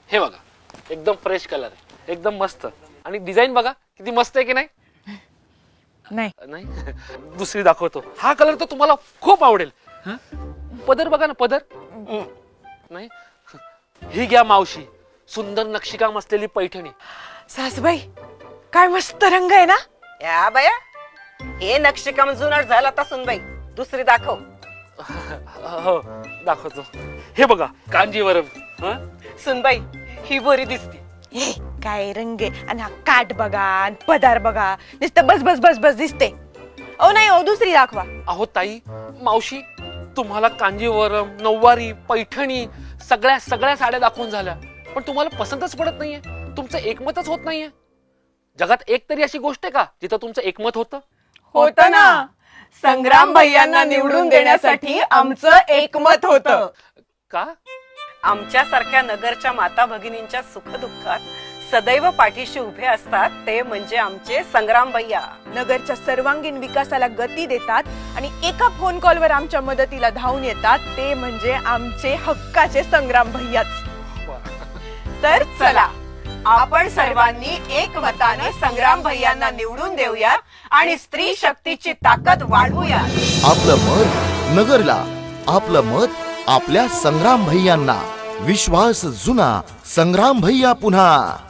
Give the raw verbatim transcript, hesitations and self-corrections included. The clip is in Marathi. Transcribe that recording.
हे बघा एकदम फ्रेश कलर आहे, एकदम मस्त. आणि डिझाईन बघा किती मस्त आहे की नाही? नाही नाही दुसरी दाखवतो. हा कलर तर तुम्हाला खूप आवडेल. पदर बघा ना, पदर नाही. ही घ्या मावशी, सुंदर नक्षीकाम असलेली पैठणी. सासूबाई काय मस्त रंग आहे ना. या बाया, हे नक्षीकाम जुनाट झाला आता सुनबाई. दुसरी दाखव. हो दाखवतो. हे बघा कांजीवरम. हं? सुनबाई ही बरी दिसते. हे काय रंग आहे. आणि हा काठ बघा आणि पदार बघा, नुसतं बस बस बस बस दिसते. ओ नाही ओ, दुसरी दाखवा. अहो ताई, मावशी तुम्हाला कांजीवरम, नऊवारी, पैठणी सगळ्या सगळ्या साड्या दाखवून झाल्या, पण तुम्हाला पसंतच पडत नाहीये. तुमचं एकमतच होत नाहीये. जगात एक तरी अशी गोष्ट आहे का जिथं तुमचं एकमत होतं? होत ना. संग्राम भैयांना निवडून देण्यासाठी आमचं एकमत होतं. का? आमच्यासारख्या नगरच्या माता भगिनींच्या सुखदुःखात सदैव पाठीशी उभे असतात ते म्हणजे आमचे संग्राम भैया. नगरच्या सर्वांगीण विकासाला गती देतात आणि एका फोन कॉलवर आमच्या मदतीला धावून येतात ते म्हणजे आमचे हक्काचे संग्राम भैयाच. तर चला आपण सर्वांनी एकमताने संग्राम भैयांना निवडून देऊया आणि स्त्री शक्तीची ताकद वाढवूया. आपलं मत नगरला, आपलं मत आपल्या संग्राम भैयांना. विश्वास जुना, संग्राम भैया पुन्हा.